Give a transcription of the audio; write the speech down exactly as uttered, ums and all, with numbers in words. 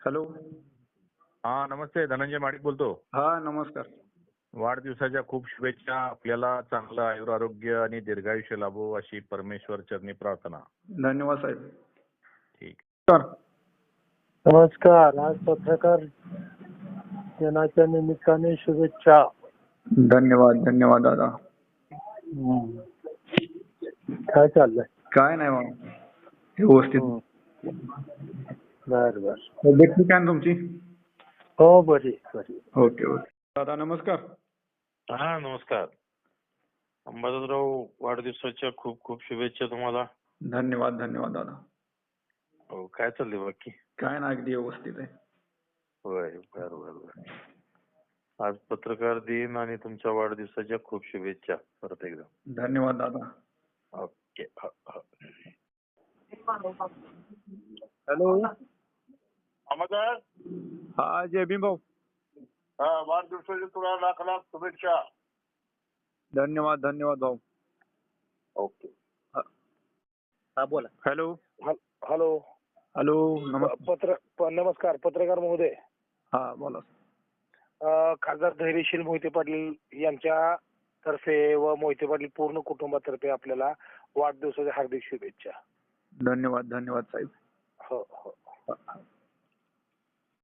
Hello. हा नमस्ते, धनंजय माडिक बोलतो. हा नमस्कार. वाढदिवसाच्या खूप शुभेच्छा. आपल्याला चांगलं आयुरारोग्य आणि दीर्घायुष्य लाभो अशी परमेश्वर चरणी प्रार्थना. धन्यवाद साहेब. ठीक. तर नमस्कार. आज पत्रकार दिनाच्या निमित्ताने शुभेच्छा. धन्यवाद धन्यवाद दादा. हम्म. काय चाललंय? काय नाही मग व्यवस्थित. बर बर. तब्येत ठीक आहे ना तुमची? हो बरी बरी. Okay okay. दादा नमस्कार. हा नमस्कार. अंबादासराव, वाढदिवसाच्या खूप खूप शुभेच्छा तुम्हाला. धन्यवाद धन्यवाद दादा. हो, काय चाललंय बाकी? काय ना अगदी व्यवस्थित आहे. होय, बर बर बर. आज पत्रकार दिन आणि तुमच्या वाढदिवसाच्या खूप शुभेच्छा परत एकदा. धन्यवाद दादा. ओके. ह, ह. हॅलो. नमस्कार. हा जय भीम भाऊ. हा, वाढदिवसाच्या तुला लाख लाख शुभेच्छा. धन्यवाद धन्यवाद भाऊ. ओके. हा बोला. हॅलो. हॅलो. हॅलो नमस्कार. पत्र प- नमस्कार पत्रकार महोदय. हा बोला. अ, खासदार धैर्यशील मोहिते पाटील यांच्या तर्फे व मोहिते पाटील पूर्ण कुटुंबातर्फे आपल्याला वाढदिवसाच्या हार्दिक शुभेच्छा. धन्यवाद धन्यवाद साहेब. हो हो. हा.